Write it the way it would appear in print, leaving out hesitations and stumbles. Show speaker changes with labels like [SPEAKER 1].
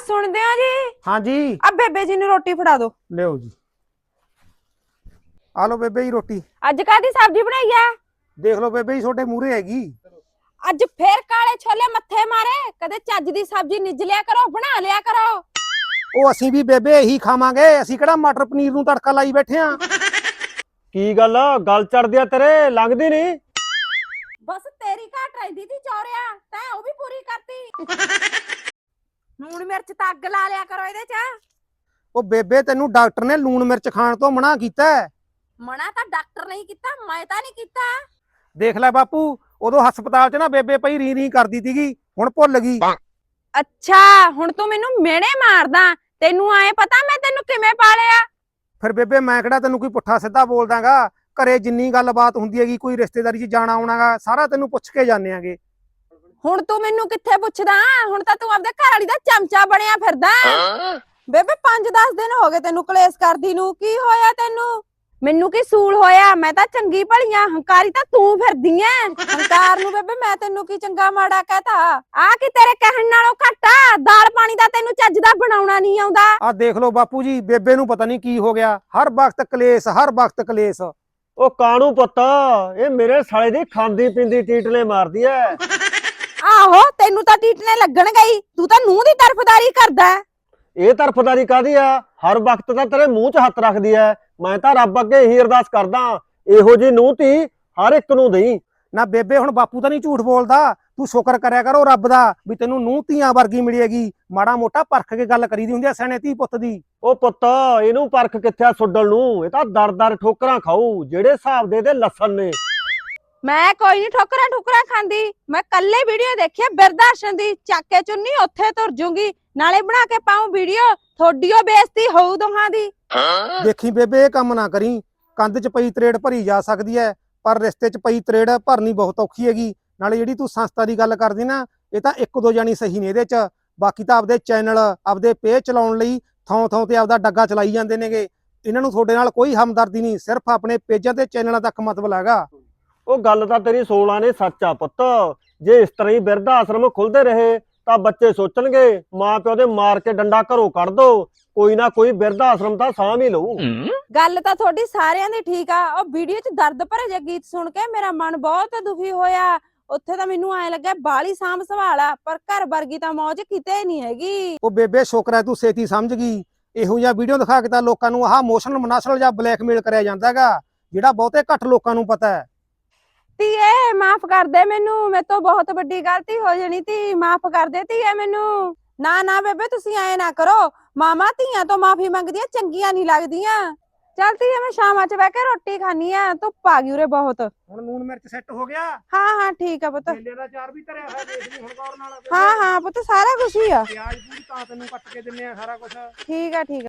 [SPEAKER 1] सुनते हो जी?
[SPEAKER 2] हाँ जी।
[SPEAKER 1] अब बेबे जी ने रोटी फड़ा दो।
[SPEAKER 2] ले जी। आ लो बेबे जी रोटी।
[SPEAKER 1] अज कादी सब्जी बनाई है?
[SPEAKER 2] देख लो बेबे जी छोटे मूहरे हैगी।
[SPEAKER 1] अज फिर काले छोले मत्थे मारे, कदे चज दी सब्जी निज लिया करो, बना लिया करो।
[SPEAKER 2] ਉਹ ਅਸੀਂ ਵੀ ਬੇਬੇ ਇਹੀ ਖਾਵਾਂਗੇ, ਅਸੀਂ ਕਿਹੜਾ ਮਟਰ ਪਨੀਰ ਨੂੰ ਤੜਕਾ ਲਾਈ ਬੈਠੇ ਆ।
[SPEAKER 3] ਕੀ ਗੱਲ ਚੜਦੀ ਆ ਤੇਰੇ, ਲੰਘਦੀ ਨਹੀਂ।
[SPEAKER 1] बस तेरी घाट रहती थी चौरिया, तैं वो भी पूरी करती। लूण मिर्च ਤਾਂ ਅੱਗ ਲਾ ਲਿਆ ਕਰੋ ਇਹਦੇ ਚ।
[SPEAKER 2] ਉਹ ਬੇਬੇ ਤੈਨੂੰ ਡਾਕਟਰ ਨੇ ਲੂਣ ਮਿਰਚ ਖਾਣ ਤੋਂ ਮਨਾ ਕੀਤਾ ਹੈ।
[SPEAKER 1] ਮਨਾ ਤਾਂ ਡਾਕਟਰ ਨਹੀਂ ਕੀਤਾ, ਮੈਂ ਤਾਂ ਨਹੀਂ ਕੀਤਾ।
[SPEAKER 2] ਦੇਖ ਲੈ ਬਾਪੂ, ਉਦੋਂ ਹਸਪਤਾਲ 'ਚ ਨਾ ਬੇਬੇ ਪਈ ਰੀ ਰੀ ਕਰਦੀ ਸੀਗੀ, ਹੁਣ ਭੁੱਲ ਗਈ।
[SPEAKER 1] ਅੱਛਾ ਹੁਣ ਤੂੰ ਮੈਨੂੰ ਮਿਹਣੇ ਮਾਰਦਾ, ਤੈਨੂੰ ਆਏ ਪਤਾ ਮੈਂ ਤੈਨੂੰ ਕਿਵੇਂ ਪਾਲਿਆ?
[SPEAKER 2] ਫਿਰ ਬੇਬੇ ਮੈਂ ਕਿਹੜਾ ਤੈਨੂੰ ਕੋਈ ਪੁੱਠਾ ਸਿੱਧਾ ਬੋਲਦਾਗਾ, ਘਰੇ ਜਿੰਨੀ ਗੱਲਬਾਤ ਹੁੰਦੀ ਹੈਗੀ, ਕੋਈ ਰਿਸ਼ਤੇਦਾਰੀ 'ਚ ਜਾਣਾ ਆਉਣਾਗਾ, ਸਾਰਾ ਤੈਨੂੰ ਪੁੱਛ ਕੇ ਜਾਂਦੇ ਆਂਗੇ।
[SPEAKER 1] ਹੁਣ ਤੂੰ ਮੈਨੂੰ ਕਿੱਥੇ ਪੁੱਛਦਾ, ਹੁਣ ਤਾਂ ਤੂੰ ਆਪਦੇ ਘਰ ਵਾਲੀ ਦਾ ਚਮਚਾ ਬਣਿਆ ਫਿਰਦਾ। ਬੇਬੇ 5-10 ਦਿਨ ਹੋ ਗਏ ਤੈਨੂੰ ਕਲੇਸ਼ ਕਰਦੀ ਨੂੰ, ਕੀ ਹੋਇਆ ਤੈਨੂੰ? ਮੈਨੂੰ ਕੀ ਸੂਲ ਹੋਇਆ, ਮੈਂ ਤਾਂ ਚੰਗੀ ਭਲੀਆਂ, ਹੰਕਾਰੀ ਤਾਂ ਤੂੰ ਫਿਰਦੀ ਐ। ਹੰਕਾਰ ਨੂੰ ਬੇਬੇ ਮੈਂ ਤੈਨੂੰ ਕੀ ਚੰਗਾ ਮਾੜਾ ਕਹਿਤਾ? ਆ ਕੀ ਤੇਰੇ ਕਹਿਣ ਨਾਲੋਂ ਘੱਟ ਆ? ਦਾਲ ਪਾਣੀ ਦਾ ਤੈਨੂੰ ਚੱਜ ਦਾ ਬਣਾਉਣਾ ਨਹੀਂ ਆਉਂਦਾ।
[SPEAKER 2] ਆ ਦੇਖ ਲਓ ਬਾਪੂ ਜੀ, ਬੇਬੇ ਨੂੰ ਪਤਾ ਨਹੀਂ ਕੀ ਹੋ ਗਿਆ, ਹਰ ਵਕਤ ਕਲੇਸ਼, ਹਰ ਵਕਤ ਕਲੇਸ਼।
[SPEAKER 3] ਉਹ ਕਾਣੂ ਪੁੱਤ, ਇਹ ਮੇਰੇ ਸਾਲੇ ਦੀ ਖਾਂਦੀ ਪੀਂਦੀ ਟੀਟਲੇ ਮਾਰਦੀ ਐ।
[SPEAKER 1] ਆਹੋ ਤੈਨੂੰ ਤਾਂ ਟੀਟਨੇ ਲੱਗਣ ਗਈ, ਤੂੰ ਤਾਂ ਨੂੰਹ ਦੀ ਤਰਫਦਾਰੀ ਕਰਦਾ।
[SPEAKER 3] ਇਹ ਤਰਫਦਾਰੀ ਕਾਦੀ ਆ? ਹਰ ਵਕਤ ਤਾਂ ਤੇਰੇ ਮੂੰਹ 'ਚ ਹੱਥ ਰੱਖਦੀ ਐ। ਮੈਂ ਤਾਂ ਰੱਬ ਅੱਗੇ ਇਹੀ ਅਰਦਾਸ ਕਰਦਾ, ਇਹੋ ਜੀ ਨੂੰਹ ਧੀ ਹਰ ਇੱਕ ਨੂੰ ਦੇਈ।
[SPEAKER 2] ਨਾ ਬੇਬੇ ਹੁਣ ਬਾਪੂ ਤਾਂ ਨਹੀਂ ਝੂਠ ਬੋਲਦਾ, ਤੂੰ ਸ਼ੁਕਰ ਕਰਿਆ ਕਰੋ ਰੱਬ ਦਾ ਵੀ ਤੈਨੂੰ ਨੂੰਹ ਧੀਆਂ ਵਰਗੀ ਮਿਲੇਗੀ। ਮਾੜਾ ਮੋਟਾ ਪਰਖ ਕੇ ਗੱਲ ਕਰੀਦੀ ਹੁੰਦੀ ਆ ਸਿਆਣੇ ਧੀ ਪੁੱਤ ਦੀ।
[SPEAKER 3] ਉਹ ਪੁੱਤ ਇਹਨੂੰ ਪਰਖ ਕਿੱਥੇ ਆ ਸੁੱਡਲ ਨੂੰ, ਇਹ ਤਾਂ ਦਰ ਠੋਕਰਾਂ ਖਾਊ ਜਿਹੜੇ ਹਿਸਾਬ ਦੇ ਲੱਸਣ ਨੇ।
[SPEAKER 1] ਮੈਂ ਕੋਈ ਨਹੀਂ ਠੋਕਰਾਂ ਖਾਂਦੀ, ਮੈਂ ਕੱਲੇ ਵੀਡੀਓ ਦੇਖੀ ਬਿਰਦਾਸ਼ਰਨ ਦੀ, ਚੱਕ ਕੇ ਚੁੰਨੀ ਉੱਥੇ ਤੁਰ ਜੂਗੀ, ਨਾਲੇ ਬਣਾ ਕੇ ਪਾਉਂ ਵੀਡੀਓ, ਥੋਡੀਓ ਬੇਇੱਜ਼ਤੀ ਹੋਊ ਦੋਹਾਂ ਦੀ।
[SPEAKER 2] ਦੇਖੀ ਬੇਬੇ ਇਹ ਕੰਮ ਨਾ ਕਰੀ, ਕੰਧ 'ਚ ਪਈ ਤਰੇੜ ਭਰੀ ਜਾ ਸਕਦੀ ਹੈ, ਪਰ ਰਿਸ਼ਤੇ 'ਚ ਪਈ ਤਰੇੜ ਭਰਨੀ ਬਹੁਤ ਔਖੀ ਹੈਗੀ। ਨਾਲੇ ਜਿਹੜੀ ਤੂੰ ਸੰਸਥਾ ਦੀ ਗੱਲ ਕਰਦੀ ਨਾ, ਇਹ ਤਾਂ 1-2 ਜਾਣੀ ਸਹੀ ਨੇ ਇਹਦੇ 'ਚ, ਬਾਕੀ ਤਾਂ ਆਪਦੇ ਚੈਨਲ ਆਪਦੇ ਪੇਜ ਚਲਾਉਣ ਲਈ ਥਾਂ ਤੇ ਆਪਦਾ ਡੱਗਾ ਚਲਾਈ ਜਾਂਦੇ ਨੇਗੇ। ਇਹਨਾਂ ਨੂੰ ਤੁਹਾਡੇ ਨਾਲ ਕੋਈ ਹਮਦਰਦੀ ਨਹੀਂ, ਸਿਰਫ ਆਪਣੇ ਪੇਜਾਂ ਤੇ ਚੈਨਲਾਂ ਤੱਕ ਮਤਲਬ ਹੈਗਾ।
[SPEAKER 3] ਉਹ ਗੱਲ ਤਾਂ ਤੇਰੀ 16 ਨੇ ਸੱਚ ਆ ਪੁੱਤ, ਜੇ ਇਸ ਤਰ੍ਹਾਂ ਹੀ ਬਿਰਧ ਆਸ਼ਰਮ ਖੁੱਲਦੇ ਰਹੇ ਤਾਂ ਬੱਚੇ ਸੋਚਣਗੇ ਮਾਂ ਪਿਓ ਦੇ ਮਾਰ ਕੇ ਡੰਡਾ ਘਰੋਂ ਕੱਢ ਦੋ, ਕੋਈ ਨਾ ਕੋਈ ਬਿਰਧ ਆਸ਼ਰਮ ਤਾਂ ਸਾਂਭ ਹੀ ਲਊ।
[SPEAKER 1] ਗੱਲ ਤਾਂ ਤੁਹਾਡੀ ਸਾਰਿਆਂ ਦੀ ਠੀਕ ਆ, ਉਹ ਵੀਡੀਓ 'ਚ ਦਰਦ ਭਰੇ ਜਿਹੇ ਗੀਤ ਸੁਣ ਕੇ ਮੇਰਾ ਮਨ ਬਹੁਤ ਦੁਖੀ ਹੋਇਆ। ਉੱਥੇ ਤਾਂ ਮੈਨੂੰ ਐ ਲੱਗਾ ਬਾਲੀ ਸਾਂਭ ਸੰਭਾਲ ਆ, ਪਰ ਘਰ ਵਰਗੀ ਤਾਂ ਮੌਜ ਕਿਤੇ ਨਹੀਂ ਹੈਗੀ।
[SPEAKER 2] ਉਹ ਬੇਬੇ ਸ਼ੁਕਰ ਹੈ ਤੂੰ ਛੇਤੀ ਸਮਝ ਗਈ। ਇਹੋ ਜਿਹਾ ਵੀਡੀਓ ਦਿਖਾ ਕੇ ਤਾਂ ਲੋਕਾਂ ਨੂੰ ਆਹ ਇਮੋਸ਼ਨਲ ਮਨਾਸਲ ਜਾਂ ਬਲੈਕਮੇਲ ਕਰਿਆ ਜਾਂਦਾ ਹੈਗਾ, ਜਿਹੜਾ ਬਹੁਤੇ ਘੱਟ ਲੋਕਾਂ ਨੂੰ ਪਤਾ ਹੈ।
[SPEAKER 1] ਧੀਏ ਮਾਫ ਕਰ ਦੇ ਮੈਨੂੰ, ਮੇਰੇ ਤੋਂ ਬਹੁਤ ਵੱਡੀ ਗਲਤੀ ਹੋ ਜਾਣੀ ਤੀ, ਮਾਫ ਕਰ ਦੇ ਧੀਏ ਮੈਨੂੰ। ਨਾ ਬੇਬੇ ਤੁਸੀਂ ਐ ਨਾ ਕਰੋ, ਮਾਮਾ ਧੀਆਂ ਤੋਂ ਮਾਫੀ ਮੰਗਦੀਆਂ ਚੰਗੀਆਂ ਨਹੀਂ ਲੱਗਦੀਆਂ। ਚੱਲ ਧੀਏ ਮੈਂ ਸ਼ਾਮਾਂ 'ਚ ਬਹਿ ਕੇ ਰੋਟੀ ਖਾਣੀ ਆ, ਧੁੱਪ ਆ ਗਈ ਉਰੇ ਬਹੁਤ।
[SPEAKER 2] ਹੁਣ ਲੂਣ ਮਿਰਚ ਸੈੱਟ ਹੋ ਗਿਆ?
[SPEAKER 1] ਹਾਂ ਠੀਕ ਆ ਪੁੱਤ।
[SPEAKER 2] ਕੇਲੇ ਦਾ ਚਾਰ ਵੀ ਧਰਿਆ ਹੋਇਆ, ਦੇਖ ਲਈ ਹੁਣ ਗੌਰ ਨਾਲ।
[SPEAKER 1] ਹਾਂ ਪੁੱਤ ਸਾਰਾ ਕੁਝ ਹੀ ਆ।
[SPEAKER 2] ਪਿਆਜ਼ ਪੂਰੀ ਤਾਂ ਤੈਨੂੰ ਕੱਟ ਕੇ ਦਿੰਨੇ ਆ ਸਾਰਾ ਕੁਝ।
[SPEAKER 1] ਠੀਕ ਆ।